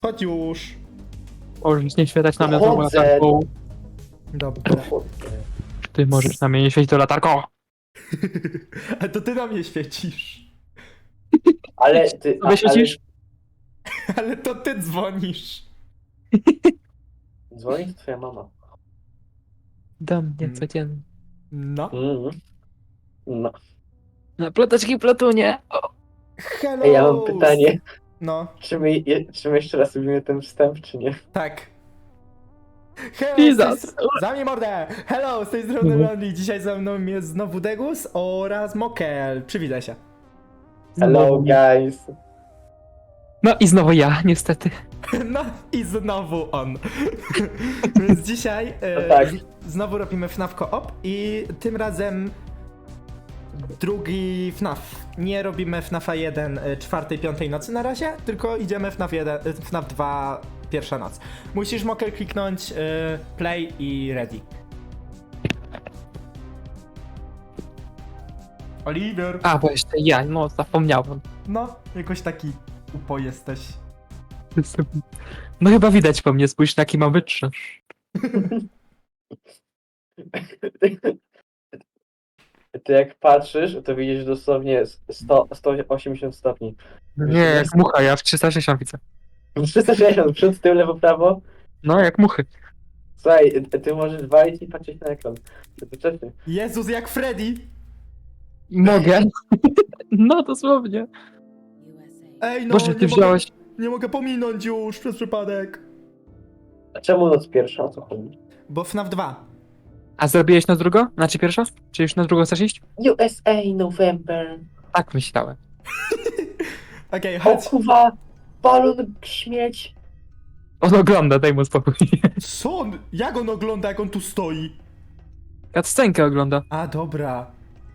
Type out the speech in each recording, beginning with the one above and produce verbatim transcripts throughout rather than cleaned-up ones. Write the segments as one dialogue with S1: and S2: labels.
S1: Chodź już.
S2: Możesz nie świetać na mnie
S3: Chodzę.
S2: znowu latarką.
S1: Dobra.
S2: Ty możesz na mnie nie świecić to latarką.
S1: Ale to ty na mnie świecisz.
S3: Ale ty...
S2: Sobie świecisz?
S1: Ale to ty dzwonisz.
S3: Ale... Dzwoni to twoja mama.
S2: Do mnie
S1: Mm.
S2: codziennie.
S1: No.
S3: Mhm. No.
S2: Na ploteczki platunie. O,
S1: Hello.
S3: Ej, ja mam pytanie.
S1: No,
S3: Czy my, je, czy my jeszcze raz robimy ten wstęp, czy nie?
S1: tak. Hello,
S2: Jesus.
S1: z tej str- Zamknij mordę! Hello, z tej strony
S2: Mhm.
S1: Lonely. Dzisiaj ze mną jest znowu Degus oraz Mokel. Przywitaj się.
S3: Hello
S2: znowu.
S3: guys.
S2: No i znowu ja, niestety.
S1: No i znowu on. Więc dzisiaj e,
S3: No tak.
S1: z- znowu robimy F N A F Coop i tym razem drugi F N A F. Nie robimy F N A F jeden e, czwartej, piątej nocy na razie, tylko idziemy F N A F jeden, e, F N A F dwa pierwsza noc. Musisz, Mokel, kliknąć e, play i ready. Oliver.
S2: A, bo jeszcze ja, no zapomniałem.
S1: No, jakoś taki upo jesteś.
S2: No chyba widać po mnie, spójrz na jaki mam wytrzymasz.
S3: Ty jak patrzysz, to widzisz dosłownie sto, sto osiemdziesiąt stopni.
S2: Nie, jak mucha, ja w trzysta sześćdziesiąt widzę.
S3: trzysta sześćdziesiąt, przód, tył, lewo, prawo.
S2: No, jak muchy.
S3: Słuchaj, ty możesz walić i patrzeć na ekran. To wcześniej.
S1: Jezus, jak Freddy!
S2: Mogę. No, dosłownie.
S1: Ej, no,
S2: Boże, ty
S1: nie,
S2: wziąłeś...
S1: mogę, nie mogę pominąć już przez przypadek.
S3: A czemu noc pierwsza? O co chodzi?
S1: Bo F N A F dwa.
S2: A zrobiłeś na drugo? Znaczy pierwsza? Czy już na drugą chcesz iść?
S3: U S A November.
S2: Tak myślałem.
S1: Okej,
S3: O
S1: chodź.
S3: kuwa, balon śmieć.
S2: On ogląda, daj mu spokój.
S1: Co on? Jak on ogląda, jak on tu stoi?
S2: Cutscenkę ogląda.
S1: A, dobra.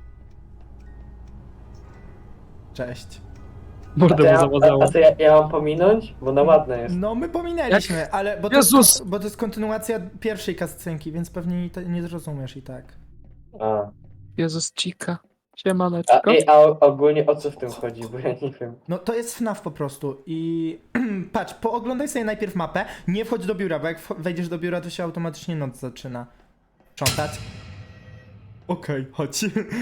S1: Cześć.
S3: A
S2: Mordę
S3: to,
S2: mu
S3: ja, a,
S2: załazało.
S3: a to ja, ja mam pominąć? Bo na ładne jest.
S1: No, my pominęliśmy, ale... Bo to,
S2: Jezus!
S1: jest, bo to jest kontynuacja pierwszej cutscenki, więc pewnie to nie zrozumiesz i tak.
S3: A,
S2: Jezus, Chica.
S3: a,
S2: Siemaneczko.
S3: ej, a o- ogólnie o co w tym chodzi? Bo ja nie wiem.
S1: No, to jest F N A F po prostu i... Patrz, pooglądaj sobie najpierw mapę, nie wchodź do biura, bo jak wch- wejdziesz do biura, to się automatycznie noc zaczyna. Sprzątać. Okej, chodź.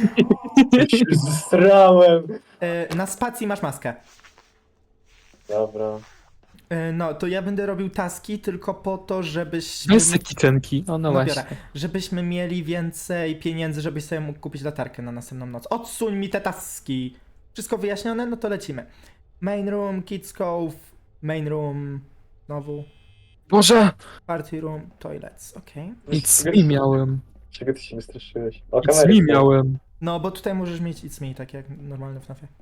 S3: Zstrałem.
S1: E, Na spacji masz maskę.
S3: Dobra.
S1: E, No, to ja będę robił taski tylko po to, żebyś...
S2: Bez sekitenki. O, no
S1: No
S2: właśnie.
S1: biorę. Żebyśmy mieli więcej pieniędzy, żebyś sobie mógł kupić latarkę na następną noc. Odsuń mi te taski! Wszystko wyjaśnione? No to lecimy. Main room, kids cove, main room, znowu,
S2: Boże!
S1: party room, toilets, okej.
S2: It's me miałem.
S3: Czego ty się wystraszyłeś? O,
S2: It's
S3: kamery
S2: me
S3: są.
S2: miałem.
S1: No, bo tutaj możesz mieć it's me, tak jak normalne w nafie.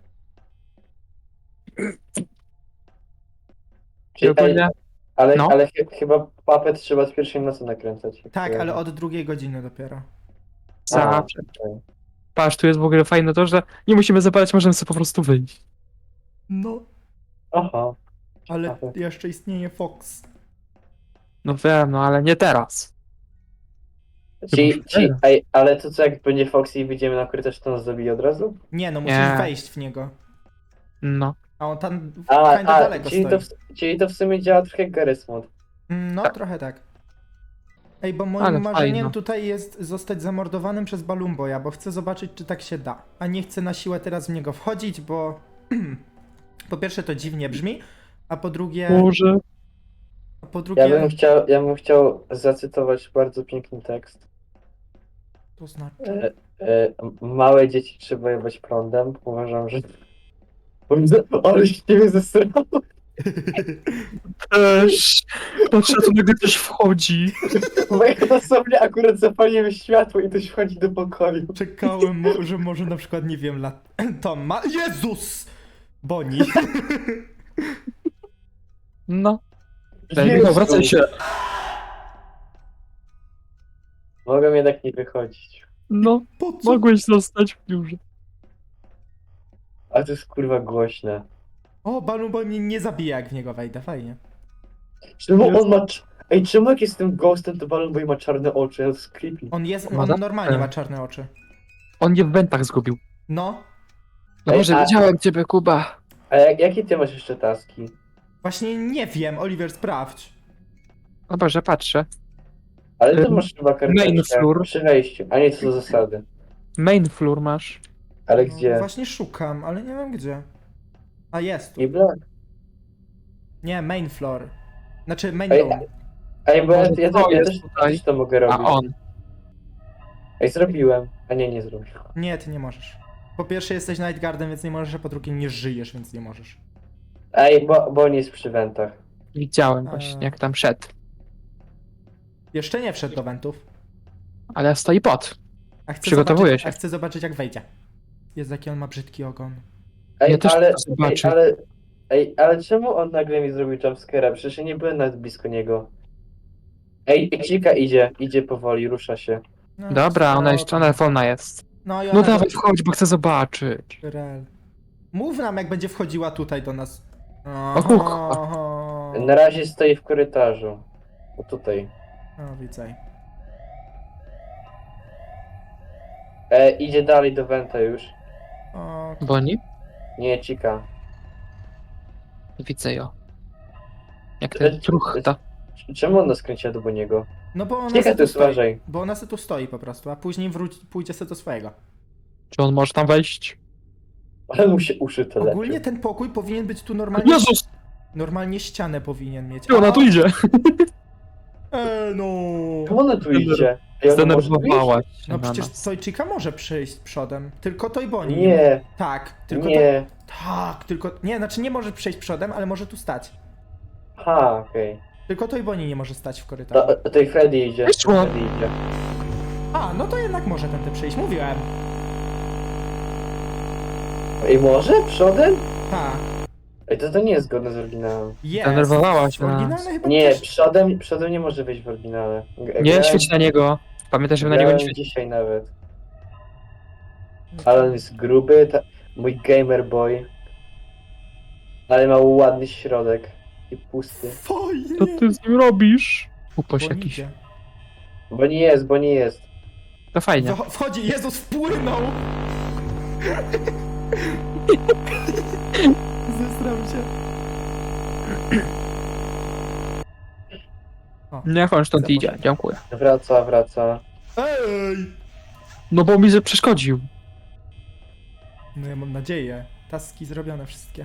S3: Czy-
S2: Ogólnie...
S3: ej, Ale,
S2: No.
S3: ale ch chyba papet trzeba z pierwszej nocy nakręcać.
S1: Tak, ale od drugiej godziny dopiero.
S2: Zawsze.
S3: okej.
S2: Patrz, tu jest w ogóle fajne to, że nie musimy zapalać, możemy sobie po prostu wyjść.
S1: No,
S3: Aha.
S1: ale
S3: Ciekawe.
S1: jeszcze istnieje Fox.
S2: No wiem, no ale nie teraz.
S3: Ci,
S2: Chyba
S3: ci,
S2: teraz.
S3: ej, ale to co, jak będzie Foxy i wyjdziemy na korytarz, to nas zabije od razu?
S1: Nie, no musisz
S2: Nie.
S1: wejść w niego.
S2: No.
S1: A on tam
S3: A,
S1: kinda
S3: a
S1: daleko
S3: czyli,
S1: stoi.
S3: to w, czyli to w sumie działa trochę jak Garry's Mod.
S1: Mm, No,
S2: Tak.
S1: trochę tak. Ej, bo moim
S2: Ale
S1: marzeniem
S2: fajno.
S1: tutaj jest zostać zamordowanym przez Balumboja, bo chcę zobaczyć, czy tak się da. A nie chcę na siłę teraz w niego wchodzić, bo po pierwsze to dziwnie brzmi, a po drugie...
S2: Może.
S1: A po
S3: Ja
S1: drugie...
S3: bym chciał, ja bym chciał zacytować bardzo piękny tekst.
S1: To znaczy...
S3: E, e, małe dzieci trzeba jebać prądem. Uważam, że... Ale się ciebie zesrało.
S2: Też. Patrz, tu nagle ktoś wchodzi.
S3: Bo ja dosłownie akurat zapaliłem światło i ktoś wchodzi do pokoju.
S1: Czekałem, mo- że może na przykład, nie wiem, lat... Tom ma... Jezus! Boni.
S2: No. Daj,
S3: Jezu.
S2: Michał, wracaj się.
S3: Mogę jednak nie wychodzić.
S2: No,
S1: Po co?
S2: mogłeś zostać w biurze.
S3: A to jest kurwa głośne.
S1: O, Balumboy mnie nie zabija, jak w niego wejdę, fajnie.
S3: Czemu on ma... cz- Ej, czemu jak jestem ghostem, to Balon Boy ma czarne oczy? To jest creepy.
S1: On jest...
S2: Ma
S1: On
S2: za-
S1: normalnie ma czarne oczy.
S2: On je w wentach zgubił.
S1: No.
S2: No
S3: Ej,
S2: może
S3: a-
S2: widziałem ciebie, Kuba.
S3: A jak, jakie ty masz jeszcze taski?
S1: Właśnie nie wiem, Oliver, sprawdź.
S2: O Boże, patrzę.
S3: Ale ty
S2: Ym,
S3: masz chyba
S2: main
S3: karteczkę
S2: floor.
S3: przy wejściu, a nie co do zasady.
S2: Main floor masz.
S3: Ale
S1: No,
S3: gdzie?
S1: właśnie szukam, ale nie wiem gdzie. A jest tu.
S3: I blok.
S1: Nie, main floor. Znaczy main
S3: Ej,
S1: room.
S3: Ej, bo ja,
S2: Może
S3: ja,
S2: to
S3: ja,
S2: jest
S3: też,
S2: tutaj.
S3: też to mogę
S2: A
S3: robić.
S2: on.
S3: Ej, zrobiłem. A nie, nie zrobiłem.
S1: Nie, ty nie możesz. Po pierwsze jesteś Nightguardem, więc nie możesz, a po drugie nie żyjesz, więc nie możesz.
S3: Ej, bo, bo on jest przy wentach.
S2: Widziałem
S1: A.
S2: właśnie, jak tam szedł.
S1: Jeszcze nie wszedł do wentów.
S2: Ale stoi pod.
S1: A chcę
S2: Przygotowuje
S1: zobaczyć,
S2: się.
S1: A chcę zobaczyć jak wejdzie. Jest jaki on ma brzydki ogon.
S3: Ej,
S2: Ja też
S3: ale,
S2: chcę zobaczyć.
S3: ej, ale, ej, ale czemu on nagle mi zrobił jumpscare'a? Przecież ja nie byłem nawet blisko niego. Ej, Cika idzie, idzie powoli, rusza się.
S1: No,
S2: Dobra, ona
S1: spoko.
S2: jeszcze, ona wolna jest.
S1: No, i
S2: No
S1: ona
S2: dawaj,
S1: do-
S2: wchodź, bo chcę zobaczyć.
S1: Rel. Mów nam jak będzie wchodziła tutaj do nas.
S2: O kurwa.
S1: Oho.
S3: Na razie stoi w korytarzu. O tutaj.
S1: No widzę.
S3: E, idzie dalej do wenta już.
S1: O,
S2: Boni?
S3: Nie, Cika.
S2: Widzę ją. Jak
S3: E,
S2: ten truchta.
S3: Czemu on nas kręci do niego?
S1: no bo ona
S3: Cika,
S1: se
S3: tu
S1: tu stoi.
S3: uważaj.
S1: Bo ona se tu stoi po prostu, a później wróci, pójdzie se do swojego.
S2: Czy on może tam wejść?
S3: Ale mu się uszy to
S1: Ogólnie
S3: lepiej.
S1: ten pokój powinien być tu normalnie.
S2: Jezus!
S1: Normalnie ścianę powinien mieć.
S2: Czy ona tu idzie?
S1: Eee, no.
S3: Czemu ona tu idzie? Ej, ona może tu
S2: Zdenerwowała się
S1: No
S2: na
S1: przecież
S2: nas.
S1: Tojczyka może przyjść przodem. Tylko Toy
S3: iść?
S1: Bonnie.
S3: Nie,
S1: Tak, tylko To...
S3: nie.
S1: Tak, tylko. Nie, znaczy nie może przejść przodem, ale może tu stać.
S3: Ha, okej.
S1: Tylko Toy Bonnie nie może stać w korytarzu.
S3: To, to i Freddy idzie.
S2: Wyszło.
S3: Freddy idzie.
S1: A, no to jednak może tędy przejść, mówiłem.
S3: Ej, może? Przodem?
S1: Tak,
S3: Ej, to, to nie jest zgodne z oryginałem.
S1: jest.
S2: Zdenerwowała się na
S1: Oryginalne
S2: nas.
S1: chyba
S3: Nie,
S1: też...
S3: przodem, przodem nie może wyjść w oryginale. G-
S2: Nie
S3: grałem-
S2: świeć na niego. Pamiętaj, żeby na niego nie
S3: grałem
S2: świecić.
S3: dzisiaj nawet. Ale on jest gruby, ta... mój gamer boy. Ale ma ładny środek. I pusty.
S1: Fajnie.
S2: Co ty z nim robisz? Upoś
S1: Bonnie
S2: jakiś.
S1: idzie.
S3: Bo nie jest, bo nie jest.
S2: To fajnie.
S1: Wcho- Wchodzi, Jezus wpłynął! Zesram się. O.
S2: Niech on stąd
S1: Zapraszam.
S2: idzie. Dziękuję.
S3: Wraca, wraca.
S1: Ej!
S2: No bo mi że przeszkodził.
S1: No ja mam nadzieję. Taski zrobione wszystkie.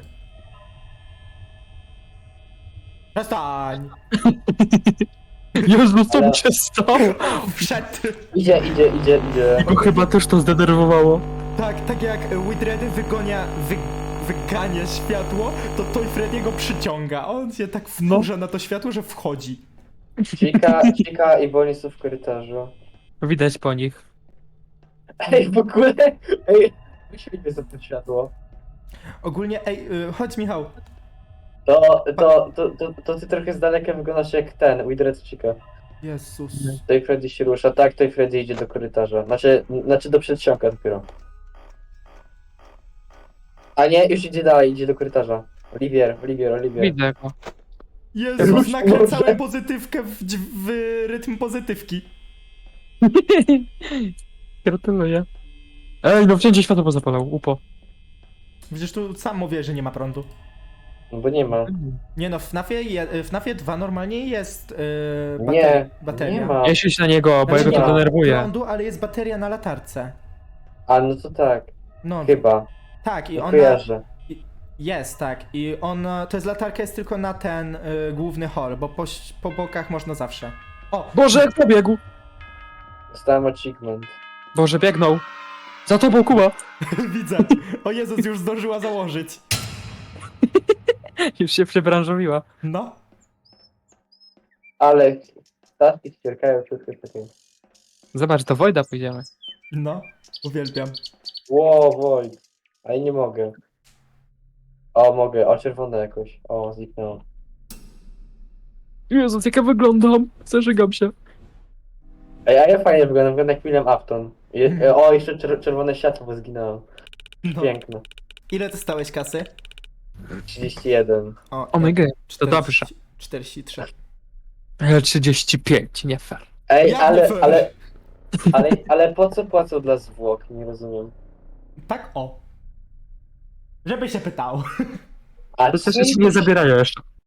S1: Przestań!
S2: Jezu, co
S3: Ale-
S2: mi się stało?
S1: Wszedł!
S3: Idzie, idzie, idzie, idzie.
S2: Go chyba też to zdenerwowało.
S1: Tak, tak jak Widredy wygonia, wy, wygania światło, to Toy Freddy'ego przyciąga. On się tak wkurza na to światło, że wchodzi.
S3: Cika, Cika i Bonnie są w korytarzu.
S2: Widać po nich.
S3: Ej, w ogóle... Ej, wyświetl za to światło.
S1: Ogólnie, ej, y, chodź Michał.
S3: To, to, to, to, to ty trochę z daleka wyglądasz jak ten, Widred Cika.
S1: Jezus.
S3: Tutaj Freddy się rusza, tak, tutaj Freddy idzie do korytarza. Znaczy, znaczy do przedsionka dopiero. A nie, już idzie dalej, idzie do korytarza. Olivier, Olivier, Olivier.
S2: Widzę go.
S1: Jezus,
S3: Już
S1: nakręcałem
S3: może.
S1: pozytywkę w, dź- w rytm pozytywki.
S2: Gratuluję. Ej, no wszędzie światło pozapalał. Upo.
S1: Przecież tu sam mówię, że nie ma prądu.
S3: No bo nie ma.
S1: Nie no, w FNAFie, je, w FNAFie dwa normalnie jest yy, bater-
S3: Nie,
S1: bateria.
S3: nie ma.
S2: Nie świeć na niego, bo
S1: Znaczy,
S2: jego
S1: nie
S2: to
S1: ma
S2: denerwuje.
S1: prądu, ale jest bateria na latarce.
S3: A, no to tak,
S1: No,
S3: chyba.
S1: tak, i
S3: No
S1: ona
S3: kojarzę.
S1: jest, tak. I ona, to jest latarka jest tylko na ten y, główny hall, bo po, ś- po bokach można zawsze. O,
S2: Boże, jak pobiegł!
S3: Dostałem achievement.
S2: Boże, biegnął. Za tobą, Kuba!
S1: widzę. O Jezus, już zdążyła założyć.
S2: Już się przebranżowiła.
S1: No.
S3: Ale statki ścierkają wszystko takie.
S2: Zobacz, do Wojda pójdziemy.
S1: No, uwielbiam.
S3: Ło, Wojt. Ale nie mogę. O, mogę, o czerwone jakoś. O, zniknęło.
S2: Jezus, jak ja wyglądam. Zażygam się.
S3: Ej, a ja fajnie wyglądam, wyglądam jak William Afton. Je,
S1: Mhm.
S3: o, jeszcze czer czerwone światło, bo zginęło.
S1: No.
S3: Piękne.
S1: Ile dostałeś kasy?
S3: trzydzieści jeden.
S1: O,
S2: O my god, to
S1: czterdzieści-
S2: dobrze.
S1: czterdzieści trzy.
S2: Ale trzydzieści pięć, nie fair.
S3: Ej,
S1: Ja
S3: ale,
S1: nie fair.
S3: ale, ale, ale po co płacą dla zwłok? Nie rozumiem.
S1: Tak o. Żeby się pytał.
S3: A
S2: To też
S3: czym-
S2: się nie zabierają jeszcze.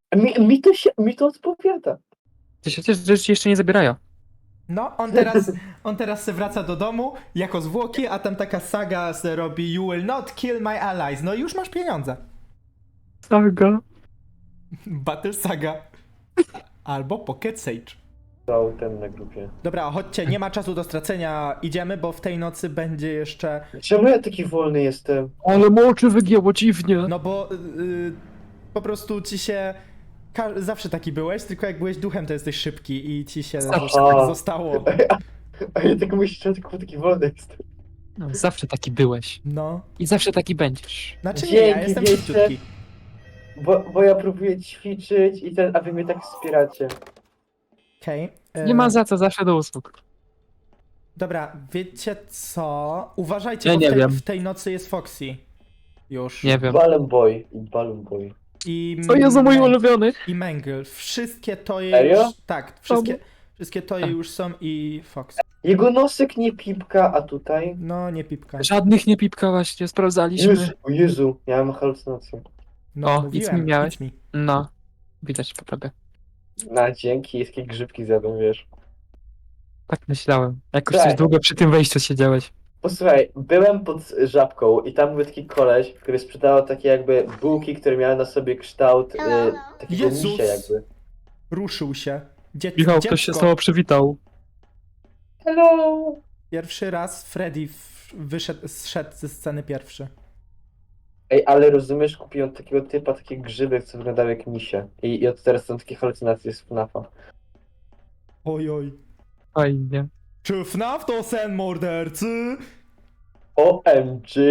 S3: Mi, mi, to się, mi to odpowiada.
S2: To się też rzeczy jeszcze nie zabierają.
S1: No, on teraz, on teraz se wraca do domu jako zwłoki, a tam taka saga se robi You will not kill my allies. No i już masz pieniądze.
S2: Saga.
S1: Battle Saga. Albo Pocket Sage.
S3: To ten na grupie.
S1: Dobra, chodźcie, nie ma czasu do stracenia, idziemy, bo w tej nocy będzie jeszcze...
S3: Czemu ja taki wolny jestem?
S2: Ale moczy wygięło dziwnie.
S1: No bo yy, po prostu ci się... Ka- zawsze taki byłeś, tylko jak byłeś duchem, to jesteś szybki i ci się
S3: Aha.
S1: tak zostało.
S3: A ja tak myślę, że tylko taki wolny jestem.
S2: No, zawsze taki byłeś.
S1: No.
S2: I zawsze taki będziesz.
S1: Znaczy nie, ja
S3: Dzięki
S1: jestem
S3: wielce.
S1: szybciutki.
S3: Bo, bo ja próbuję ćwiczyć i ten, a wy mnie tak wspieracie.
S1: Okej. Okay.
S2: Nie ma za co, zawsze do usług.
S1: Dobra, wiecie co? Uważajcie,
S2: Ja
S1: bo
S2: nie
S1: w tej,
S2: wiem.
S1: w tej nocy jest Foxy. Już.
S2: Nie wiem.
S3: Balloon Boy i Balloon Boy.
S1: I
S2: To jest mój
S1: Mang-
S2: ulubiony.
S1: I Mangle. Wszystkie toje
S3: Serio?
S1: już... Tak, wszystkie,
S2: Obu.
S1: wszystkie toje
S2: Tak.
S1: już są i Fox.
S3: Jego nosek nie pipka, a tutaj...
S1: No, nie pipka.
S2: Żadnych nie pipka właśnie, sprawdzaliśmy.
S3: Jezu, o Jezu, miałem halucynację.
S1: No,
S2: O,
S1: mówiłem,
S2: nic mi miałeś.
S1: nic mi.
S2: No. Widać po tobie.
S3: Na dzięki, jakie grzybki zjadłem, wiesz.
S2: Tak myślałem. Jakoś
S3: Tak.
S2: coś długo przy tym wejściu siedziałeś.
S3: Posłuchaj, byłem pod żabką i tam był taki koleś, który sprzedawał takie jakby bułki, które miały na sobie kształt y, takiego
S1: Jezus!
S3: misia jakby.
S1: Ruszył się. Dzie-
S2: Michał,
S1: dziecko.
S2: ktoś się z tobą przywitał.
S3: Hello!
S1: Pierwszy raz Freddy w- wyszedł, zszedł ze sceny pierwszy.
S3: Ej, ale rozumiesz, kupiłem takiego typa, takie grzyby, co wyglądały jak misie. I, i od teraz są takie halucynacje z FNAFa.
S1: Oj, oj.
S2: Fajnie.
S1: Czy F N A F to sen mordercy?
S3: O M G!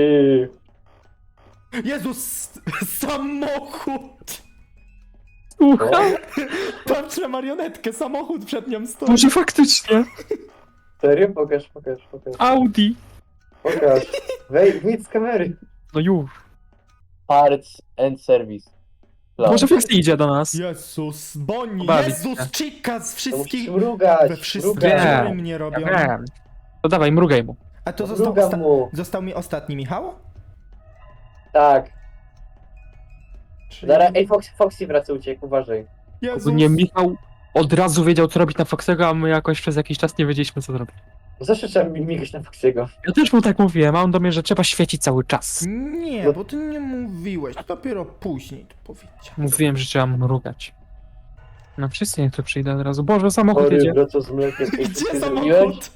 S1: Jezus! Samochód!
S2: Słuchaj,
S1: Patrzę marionetkę, samochód przed nią stoi.
S2: może faktycznie.
S3: Serio? Pokaż, pokaż, pokaż.
S2: Audi.
S3: Pokaż. Wej, wyjdź z kamery.
S2: No już.
S3: Parts and service.
S2: Może Foxy idzie do nas.
S1: Jezus, Bonnie,
S2: Pobawić
S1: Jezus,
S2: się.
S1: Chica z
S3: To musisz
S1: wszystkich...
S3: mrugać,
S1: We wszystkich
S3: mrugać.
S2: Nie.
S1: dziury mnie robią.
S2: Ja wiem. To dawaj, mrugaj mu.
S1: A to został,
S3: Mrugam
S1: osta-
S3: mu.
S1: został mi ostatni, Michał?
S3: Tak.
S1: Czyli...
S3: Zaraz, ej, Fox, Foxy wraca, uciekł, uważaj.
S1: Jezus.
S2: Nie, Michał od razu wiedział, co robić na Foxego, a my jakoś przez jakiś czas nie wiedzieliśmy, co zrobić.
S3: Zawsze trzeba mi- migać na Foxy'ego.
S2: Ja też mu tak mówiłem, a on do mnie, że trzeba świecić cały czas.
S1: Nie, bo ty nie mówiłeś, to dopiero później to powiedział.
S2: Mówiłem, że trzeba mrugać. No wszyscy niech tu przyjdą od razu. Boże, samochód
S3: Chory,
S2: jedzie.
S3: wraca z mlekiem. Ej, co
S1: Gdzie
S3: ty zrobiłeś?
S1: samochód?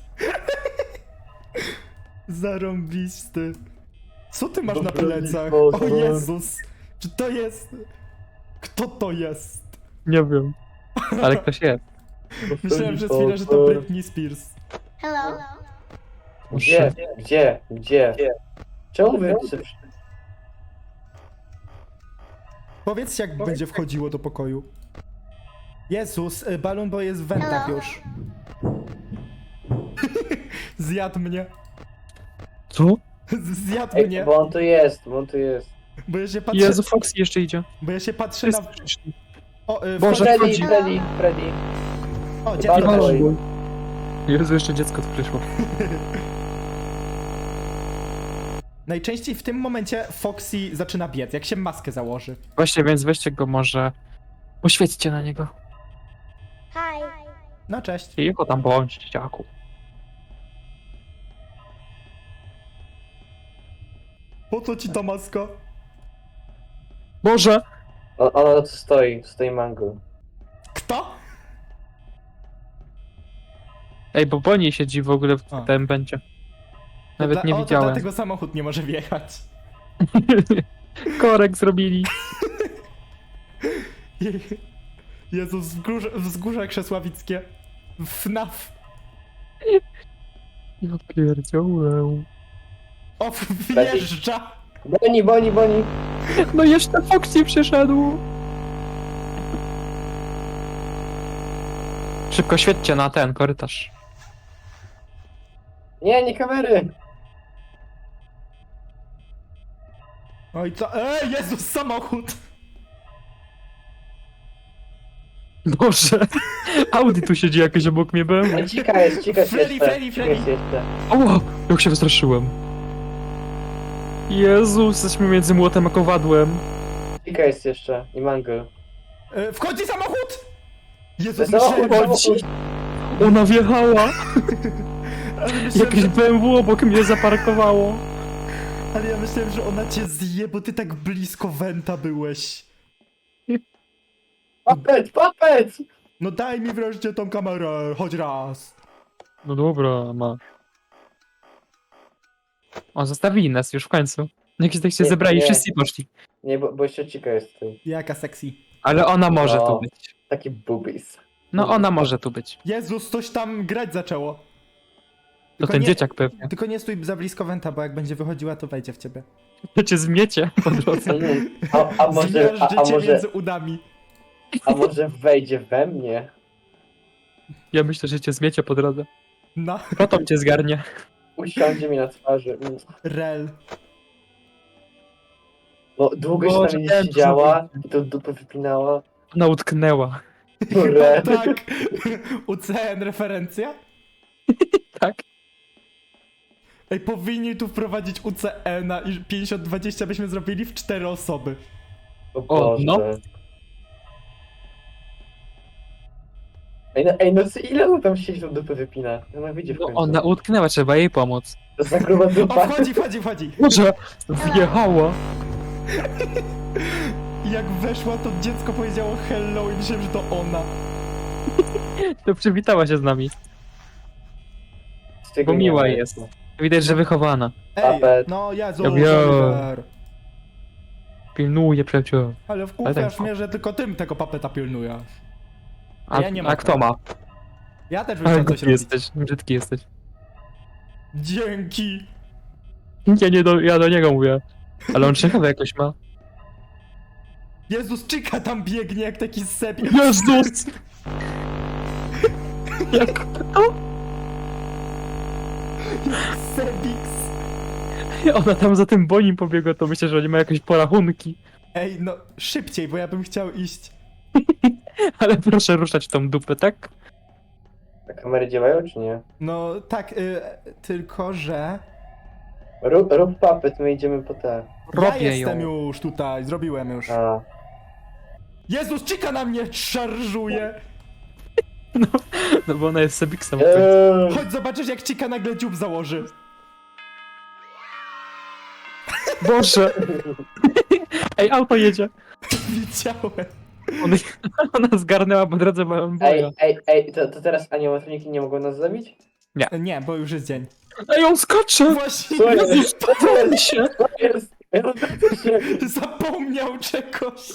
S1: Zarąbisty. Co ty masz na
S3: Dobra,
S1: plecach?
S3: Michał,
S1: O
S3: dobra.
S1: Jezus! Czy to jest... Kto to jest?
S2: Nie wiem. Ale ktoś jest.
S1: Myślałem przez chwilę, że to Britney Spears.
S4: Hello.
S3: Gdzie? Gdzie? Gdzie? Czemu wy...
S1: Powiedzcie, jak będzie wchodziło do pokoju. Jezus, y, Balloon Boy jest w wentach
S4: Hello.
S1: już. Zjadł mnie.
S2: Co?
S1: Zjadł
S3: Ej,
S1: mnie.
S3: bo on tu jest, bo on tu jest.
S1: Bo ja się patrzę...
S2: Jezu, Foxy jeszcze idzie.
S1: Bo ja się patrzę na...
S2: Wszyscy przyszli.
S1: O, y,
S2: Boże,
S1: wchodzi-
S3: Freddy,
S2: wchodzi.
S3: Freddy, Freddy.
S1: O, dziecko
S3: Balloon
S1: też.
S3: Boy.
S2: Jezu, jeszcze dziecko tu przyszło.
S1: Najczęściej w tym momencie Foxy zaczyna biec, jak się maskę założy.
S2: Właśnie, więc weźcie go może... Poświećcie na niego.
S4: Hi.
S1: No cześć.
S2: Cicho tam bądź, dzieciaku.
S1: Po co ci ta maska?
S2: Boże!
S3: On, ona tu stoi, stoi mango.
S1: Kto?
S2: Ej, bo Bonnie siedzi w ogóle w
S1: A.
S2: tym będzie. Nawet
S1: Dla-
S2: nie
S1: o, to
S2: widziałem.
S1: dlatego samochód nie może wjechać.
S2: Korek zrobili.
S1: Jezu, wzgórze, wzgórze krzesławickie. F N A F.
S2: Ja pierdziałem.
S1: O, wjeżdża.
S3: Boni, boni, boni.
S2: No jeszcze Foxy przyszedł. Szybko świećcie na ten korytarz.
S3: Nie, nie kamery.
S1: Oj, co? Ej, Jezus, samochód.
S2: Boże. Audi tu siedzi jakoś obok mnie, byłem.
S3: Ej, Cika jest, cika jest
S1: Freddy,
S3: jeszcze.
S1: Freddy,
S3: Cika
S1: Freddy.
S3: jest jeszcze.
S2: O, jak się wystraszyłem. Jezus, jesteśmy między młotem a kowadłem.
S3: Cika jest jeszcze. I mango.
S1: E, wchodzi samochód! Jezus,
S3: Samochód,
S1: myślałem, że...
S3: samochód.
S2: Ona wjechała!
S1: Ale myślałem,
S2: Jakieś
S1: że...
S2: B M W obok mnie zaparkowało.
S1: Ale ja myślałem, że ona cię zje, bo ty tak blisko Wenta byłeś.
S3: Papet, papet!
S1: No daj mi wreszcie tą kamerę, choć raz.
S2: No dobra, ma. O, zostawili nas już w końcu. Jakieś tak się
S3: Nie,
S2: zebrali,
S3: nie.
S2: wszyscy poszli.
S3: Nie, bo, bo jeszcze Cika jest tutaj.
S1: Jaka sexy.
S2: Ale ona może
S3: No.
S2: tu być.
S3: Taki boobies.
S2: No ona może tu być.
S1: Jezus, coś tam grać zaczęło.
S2: To
S1: Tylko
S2: ten
S1: nie-
S2: dzieciak pewnie.
S1: Tylko nie stój za blisko Wenta, bo jak będzie wychodziła, to wejdzie w ciebie.
S2: To cię zmiecie po drodze.
S3: Mm, A, a może, a,
S1: Zmiażdży
S3: a
S1: cię
S3: może,
S1: między udami.
S3: a może wejdzie we mnie?
S2: Ja myślę, że cię zmiecie po drodze.
S1: No,
S2: Potem cię zgarnie.
S3: Usiądzie mi na twarzy. Mm.
S1: rel.
S3: No, długo się
S2: Boże,
S3: tam nie
S2: ten
S3: siedziała i to dupę wypinała.
S2: Ona utknęła.
S3: Kurde.
S1: Tak. U C N referencja?
S2: Tak?
S1: Ej, powinni tu wprowadzić U C N-a i pięćdziesiąt dwadzieścia byśmy zrobili w cztery osoby.
S3: O
S2: O,
S3: Boże.
S2: no.
S3: Ej, no, ej, no co, ile on tam siedzi, tą dupę wypina? Ona wyjdzie w
S2: No
S3: końcu.
S2: ona utknęła, trzeba jej pomóc.
S3: To za gruba
S1: O,
S3: dupa.
S1: wchodzi, wchodzi, wchodzi.
S2: Boże, wjechała.
S1: I jak weszła, to dziecko powiedziało hello i myślałem, że to ona.
S2: To przywitała się z nami.
S3: Z tego
S2: Bo
S3: nie
S2: miła
S3: ma.
S2: jest. Widać, że wychowana.
S1: Ej,
S3: Papet.
S1: no Jezu,
S2: Ja wiem.
S1: Oliver.
S2: Pilnuje przyjaciół.
S1: Ale
S2: Ale
S1: wkurwiasz
S2: tak.
S1: mnie, że tylko tym tego papeta pilnujesz.
S2: A,
S1: Ja nie
S2: a
S1: mogę.
S2: kto ma?
S1: Ja też bym
S2: Ale
S1: chciał coś
S2: głupi
S1: robić.
S2: jesteś, brzydki jesteś.
S1: Dzięki.
S2: Ja nie do, ja do niego mówię. Ale on ciekawe jakoś ma.
S1: Jezus, Chica tam biegnie jak taki sep.
S2: Jezus! Jak to?
S1: Sebix.
S2: Ona tam za tym bonim pobiegła, to myślę, że oni mają jakieś porachunki.
S1: Ej, no szybciej, bo ja bym chciał iść.
S2: Ale proszę ruszać tą dupę, tak?
S3: A kamery działają, czy nie?
S1: No tak, y, tylko że...
S3: Rób, rób papet, my idziemy po te.
S1: Ja
S2: Robię
S1: jestem
S2: ją.
S1: już tutaj, zrobiłem już.
S3: A.
S1: Jezus, Chica na mnie szarżuje.
S2: No bo ona jest Sebiksem.
S3: Eee,
S1: Chodź zobaczysz, jak Chica nagle dziób założy.
S2: Boże! Ej, auto jedzie.
S1: Widziałem.
S2: Ona, ona zgarnęła po drodze małą boja.
S3: ej, ej, ej, to, to teraz animatroniki nie mogą nas zabić?
S1: Nie, bo już jest dzień.
S2: Ej, on skacze!
S1: Właśnie
S3: Co jest?
S2: Jezus, powoli się!
S3: Co jest? Ej, on tak się...
S1: zapomniał czegoś.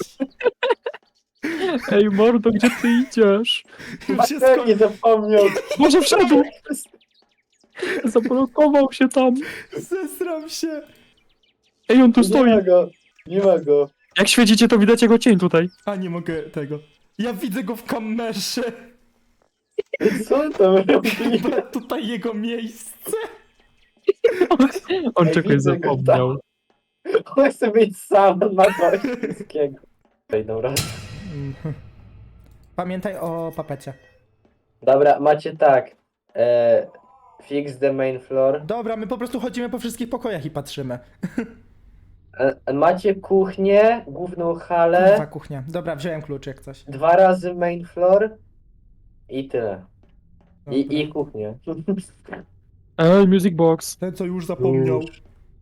S2: Ej, mordo, gdzie ty idziesz?
S1: Już jest
S3: Matek nie
S1: koniec.
S3: zapomniał.
S2: Może wszedł! Zablokował się tam.
S1: Zesram się.
S2: Ej, on tu
S3: Nie ma
S2: stoi.
S3: go. Nie ma go.
S2: Jak świecicie, to widać jego cień tutaj.
S1: A nie mogę tego. Ja widzę go w kamerze.
S3: Co on tam robi?
S1: Chyba tutaj jego miejsce.
S2: On
S3: Ej,
S2: czegoś
S3: widzę go
S2: zapomniał.
S3: On chce być sam, on ma coś wszystkiego. Ej, dobra.
S1: Pamiętaj o papecie.
S3: Dobra, macie tak. E, fix the main floor.
S1: Dobra, my po prostu chodzimy po wszystkich pokojach i patrzymy.
S3: E, macie kuchnię, główną
S1: Kurwa,
S3: halę,
S1: kuchnia. Dobra, wziąłem klucz jak coś.
S3: dwa razy main floor i tyle.
S1: Dobra.
S3: I, i kuchnię.
S2: Ej, music box.
S1: Ten, co już zapomniał.
S3: Już.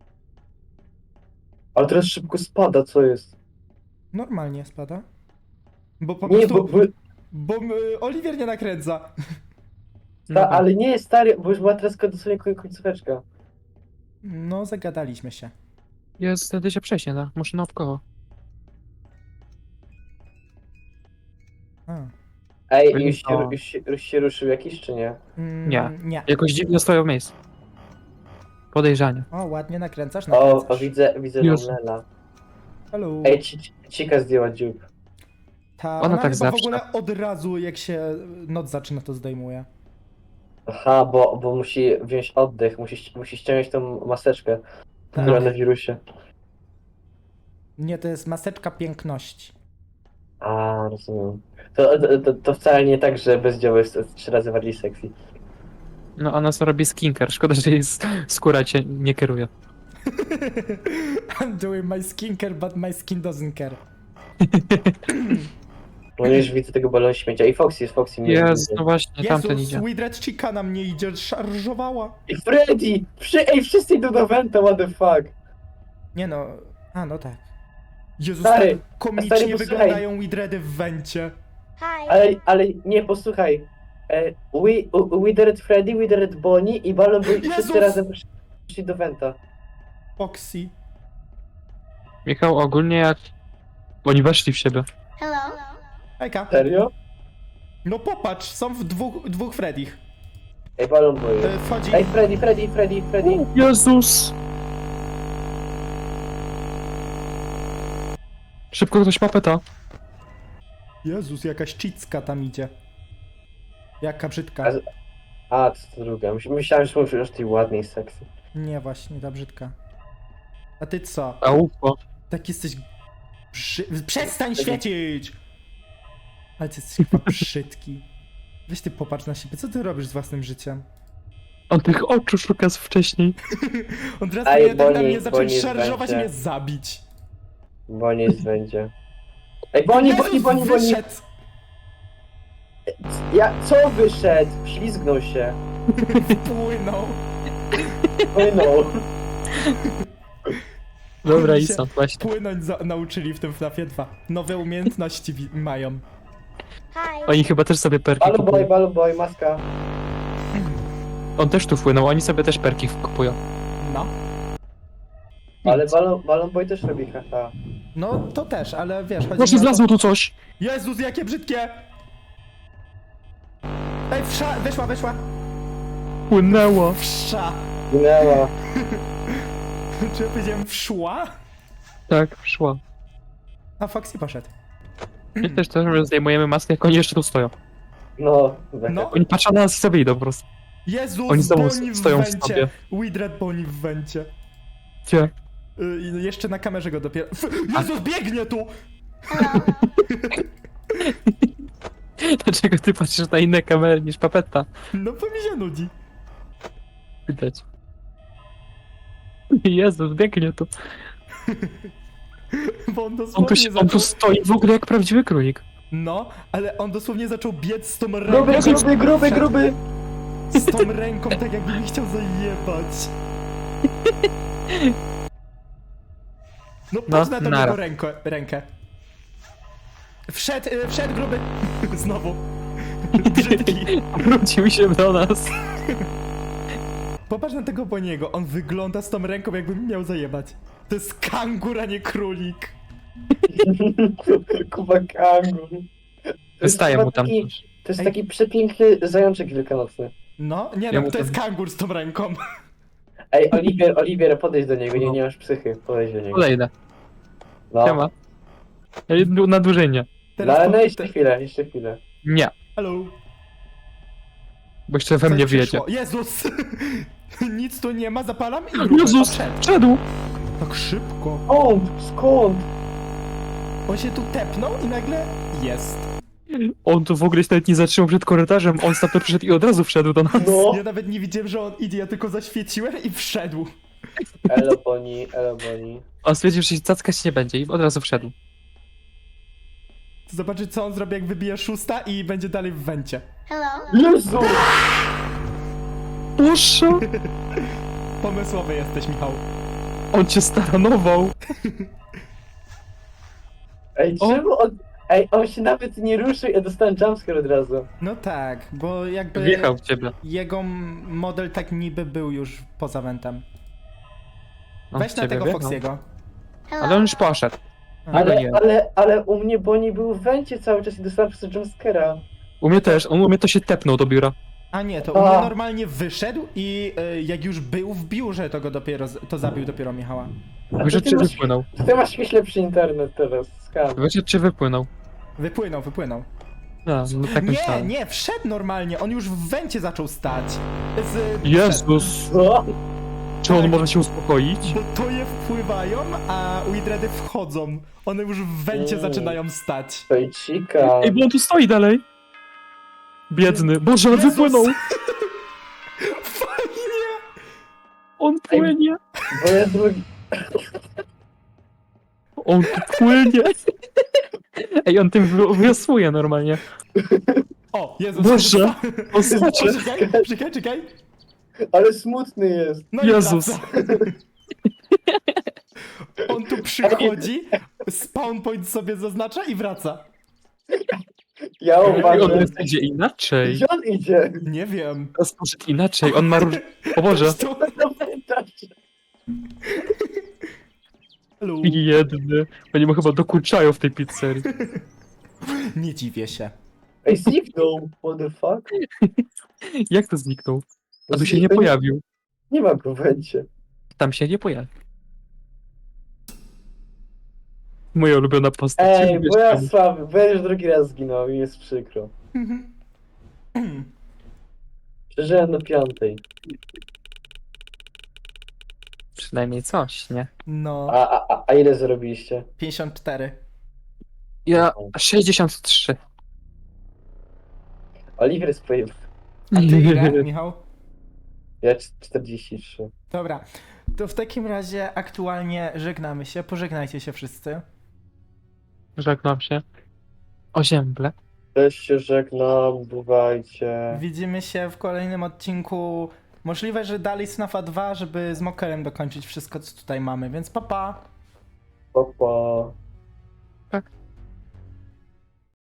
S3: Ale teraz szybko spada, co jest?
S1: Normalnie spada. Bo po
S3: Nie,
S1: prostu...
S3: bo, bo,
S1: Bo y, Oliwier nie nakręca.
S3: ta, ale nie, stary, bo już była teraz dosłownie koń- końcóweczka.
S1: No, zagadaliśmy się.
S2: Jest, wtedy się przejść nie da. Muszę naokoło.
S1: A.
S3: Ej,
S2: Byli
S3: już się,
S2: to-
S3: już, się, już się ruszył jakiś, czy nie?
S1: Mm,
S2: Nie.
S1: Nie.
S2: Jakoś dziwnie stoją w miejscu. Podejrzanie.
S1: O, ładnie nakręcasz,
S3: O,
S1: nakręcasz.
S3: o widzę, widzę
S2: Już.
S3: Lela.
S1: Hello.
S3: Ej, ci, ci- Cika zdjęła dziób.
S1: Ta,
S2: ona
S1: ona
S2: tak
S1: chyba
S2: zawsze.
S1: w ogóle od razu, jak się noc zaczyna, to zdejmuje.
S3: Aha, bo, bo musi wziąć oddech, musi, musi ściągnąć tą maseczkę
S1: Tak.
S3: która na wirusie.
S1: Nie, to jest maseczka piękności.
S3: A, rozumiem. To, to, to, to wcale nie tak, że bezdzioły jest trzy razy bardziej sexy.
S2: No ona sobie robi skinker. Szkoda, że jej s- skóra cię nie kieruje.
S1: I'm doing my skincare, but my skin doesn't care.
S3: No już widzę tego balonu śmiecia. I Foxy jest, Foxy mnie
S2: Jest, no właśnie, tamten
S1: Jezus,
S2: idzie.
S1: Widred Chica na mnie idzie, szarżowała.
S3: I Freddy! Wszy Ej, wszyscy idą do Venta, what the fuck?
S1: Nie no, a no tak. Jezus,
S3: Stary,
S1: tak komicznie
S3: stary, posłuchaj.
S1: wyglądają Widredy w wencie.
S4: Hi.
S3: Ale, ale nie, posłuchaj. E, we, Withered Freddy, Withered Bonnie i Balon Boy
S1: Jezus!
S3: wszyscy razem przyszli do Venta.
S1: Foxy.
S2: Michał, ogólnie jak... Oni weszli w siebie.
S4: Hello.
S1: Ejka.
S3: Serio?
S1: No popatrz, są w dwóch, dwóch Freddych.
S3: Ej, Balon Boy.
S1: E, Wchodzi...
S3: Ej, Freddy, Freddy, Freddy, Freddy.
S2: Jezus! Szybko ktoś ma peta.
S1: Jezus, jakaś cicka tam idzie. Jaka brzydka.
S3: A, A, to, to druga. Myś- Myślałem, że mówisz o tej ładnej seksy.
S1: Nie, właśnie, ta brzydka. A ty co?
S2: A upo.
S1: Tak jesteś... Brzy... Przestań świecić! Ale ty jesteś chyba brzydki. Weź ty popatrz na siebie, co ty robisz z własnym życiem?
S2: On tych oczu szuka z wcześniej.
S1: On teraz
S3: Ej,
S1: powinien tak na
S3: Bonnie,
S1: mnie zacząć
S3: Bonnie
S1: szarżować i
S3: będzie.
S1: mnie zabić.
S3: Bonnie jest będzie. Ej, Bonnie, Bonnie,
S1: Jezus,
S3: Bonnie, Bonnie.
S1: wyszedł!
S3: Ja, co wyszedł? Ślizgnął się.
S1: Płynął.
S3: Płynął.
S2: Dobra,
S1: Oni
S2: i
S1: się
S2: są, właśnie.
S1: Płynąć za- nauczyli w tym FNAFie dwa. Nowe umiejętności wi- mają.
S4: Hi.
S2: Oni chyba też sobie perki
S3: Balon Boy,
S2: kupują.
S3: Balon Boy, maska.
S2: On też tu wpłynął, oni sobie też perki kupują.
S1: No.
S3: Ale Balon, Balon Boy też robi haha.
S1: No to też, ale wiesz, chodzi
S2: Właśnie
S1: mi o to-
S2: zlazło tu coś!
S1: Jezus, jakie brzydkie! Ej, wsza, wyszła, wyszła.
S2: Płynęło.
S1: Wsza.
S3: Ginęła.
S1: Czy ja powiedziałem wszła?
S2: Tak, szła.
S1: A Foxy poszedł.
S2: My też też zdejmujemy maskę, jak oni jeszcze tu stoją.
S3: No,
S1: No.
S2: Oni patrzą na nas i sobie idą po prostu.
S1: Jezus,
S2: Oni znowu
S1: Bonnie w
S2: stoją w
S1: wencie.
S2: sobie.
S1: Widred Bonnie w wencie.
S2: Gdzie?
S1: Y, i jeszcze na kamerze go dopiero... F Jezus, biegnie tu!
S4: Hello.
S2: Dlaczego ty patrzysz na inne kamery niż papeta?
S1: No bo mi się nudzi.
S2: Widać. Jezus, biegnie tu.
S1: Bo on
S2: On
S1: dosłownie
S2: tu, się,
S1: zaczął...
S2: on tu stoi w ogóle jak prawdziwy królik.
S1: No, ale on dosłownie zaczął biec z tą ręką.
S3: Gruby, gruby, gruby, gruby.
S1: Z tą ręką, tak jakby mi chciał zajebać. No
S2: No,
S1: patrz na tą
S2: nara.
S1: jego ręko, rękę. Wszedł, y, wszedł gruby. Znowu. Brzydki.
S2: Wrócił się do nas.
S1: Popatrz na tego Boniego, on wygląda z tą ręką, jakby mi miał zajebać. To jest kangur, a nie królik.
S3: Kuba kangur.
S2: Wystaje mu tam.
S3: Taki, to jest
S1: Ej.
S3: taki przepiękny zajączek wielkanocny.
S1: No, nie
S2: Ja
S1: no,
S2: mu
S1: to jest
S2: tam-
S1: kangur z tą ręką.
S3: Ej, Oliwier, Oliwier, podejdź do niego, nie, nie masz psychy, podejdź do niego.
S2: Podejdę.
S3: No,
S2: Siema. Na dłużej nie.
S3: no ale
S1: po-
S3: no jeszcze chwilę, jeszcze chwilę.
S2: Nie,
S1: Hello.
S2: bo jeszcze we
S1: Coś
S2: mnie
S1: przyszło.
S2: wjedzie.
S1: Jezus! Nic tu nie ma, zapalam i gruby.
S2: Jezus,
S1: Wszedł.
S2: wszedł!
S1: Tak szybko.
S3: Skąd? Skąd?
S1: On się tu tepnął i nagle jest.
S2: On tu w ogóle się nawet nie zatrzymał przed korytarzem, on stamtąd przyszedł i od razu wszedł do nas.
S3: No.
S1: Ja nawet nie widziałem, że on idzie, ja tylko zaświeciłem i wszedł.
S3: Elo Boni, elo Boni.
S2: On stwierdził, że się cackać nie będzie i od razu wszedł.
S1: Zobaczy, co on zrobi, jak wybije szósta i będzie dalej w wencie.
S4: Hello.
S3: Jezu!
S2: Boże!
S1: Pomysłowy jesteś, Michał.
S2: On cię staranował.
S3: Ej,
S2: O.
S3: czemu on... Ej, on się nawet nie ruszył, ja dostałem jumpscare od razu.
S1: No tak, bo jakby
S2: Wjechał w ciebie.
S1: jego m- model tak niby był już poza wentem.
S2: On
S1: Weź
S2: w
S1: na
S2: ciebie
S1: tego
S2: wjechał.
S1: Foxiego.
S4: Hello.
S2: Ale on już poszedł.
S1: A,
S2: Ale
S3: Ale,
S2: nie.
S3: ale, ale u mnie Boni był w wencie cały czas i dostałem przez to jumpscare'a.
S2: U mnie też, on u mnie to się tepnął do biura.
S1: A nie, to u
S3: A.
S1: mnie normalnie wyszedł i y, jak już był w biurze, to go dopiero, z- to zabił dopiero Michała.
S3: A to
S2: Wyszedł
S3: ty
S2: czy
S3: masz,
S2: wypłynął?
S3: ty masz jakiś lepszy internet teraz, skam.
S2: Wyszedł czy wypłynął?
S1: Wypłynął, wypłynął.
S2: A, no tak
S1: Nie,
S2: myślałem.
S1: nie, wszedł normalnie, on już w wencie zaczął stać. Z,
S2: Jezus!
S3: Co?
S2: Czy on może się uspokoić?
S1: Bo to je wpływają, a Widredy wchodzą. One już w wencie
S3: Mm.
S1: zaczynają stać.
S3: Fejcika.
S2: Ej, bo on tu stoi dalej. Biedny. Boże, on
S1: Jezus!
S2: wypłynął!
S1: Fajnie!
S2: On płynie!
S3: Bo ja drugi...
S2: On tu płynie! Ej, on tym wi- wiosłuje normalnie.
S1: O, Jezus.
S2: Boże, on skacze.
S1: Czekaj, czekaj, czekaj.
S3: Ale smutny jest.
S1: No i
S2: Jezus.
S1: wraca. On tu przychodzi, spawn point sobie zaznacza i wraca.
S3: Ja
S2: Ej, on
S3: uważam.
S2: jest idzie inaczej.
S3: Gdzie on idzie?
S1: Nie wiem.
S2: Teraz poszedł inaczej, on ma róż... O Boże.
S1: To...
S3: No pamiętasz.
S1: Lu.
S2: Biedny. Oni mu chyba dokuczają w tej pizzerii.
S1: Nie dziwię się.
S3: Ej, zniknął. What the fuck?
S2: Jak to zniknął?
S3: No
S2: A tu się nie
S3: zniknął.
S2: pojawił.
S3: Nie ma go w węcie.
S2: Tam się nie pojawił. Moja ulubiona postać.
S3: Ej,
S2: Wiesz,
S3: bo ja
S2: czemu?
S3: słaby, bo ja już drugi raz zginął i jest przykro. Przeżyłem do piątej.
S2: Przynajmniej coś, nie?
S1: No,
S3: A, a, a, a ile zrobiliście?
S1: pięćdziesiąt cztery.
S2: Ja sześćdziesiąt trzy.
S3: Oliver jest pojeb...
S1: A ty ile, Michał?
S3: Ja c- czterdzieści trzy.
S1: Dobra, to w takim razie aktualnie żegnamy się. Pożegnajcie się wszyscy.
S2: Żegnam się. O ziemble.
S3: Też się żegnam, bywajcie.
S1: Widzimy się w kolejnym odcinku. Możliwe, że dalej Snafa dwa, żeby z Mokerem dokończyć wszystko, co tutaj mamy, więc pa pa!
S3: Pa, pa.